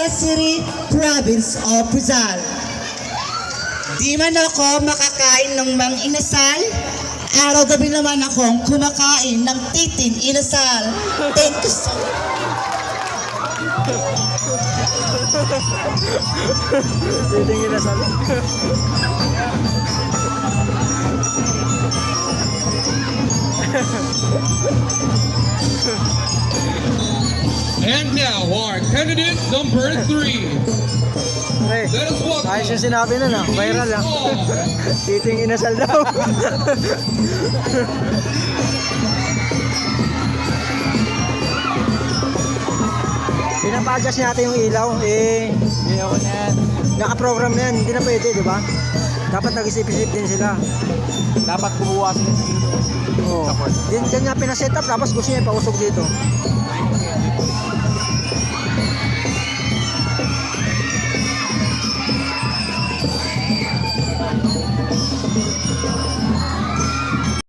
Zamboanga City, Province of Rizal. Di man ako makakain ng mang inasal, araw-gabi naman akong kumakain ng titin inasal. Thank you so much. Titing inasal. And now our candidate number 3. Pre, Let us welcome. ayos yung sinabi nun ah. Viral ah. Titing inasal daw. Pinapa-adjust natin yung ilaw. Hindi ako na yan. Naka-program na yan. Hindi na pwede, di ba? Dapat nag-isip-isip din sila. Dapat bubuwasin yung Oo. Diyan niya pinaset up. Tapos gusto niya ipausog dito.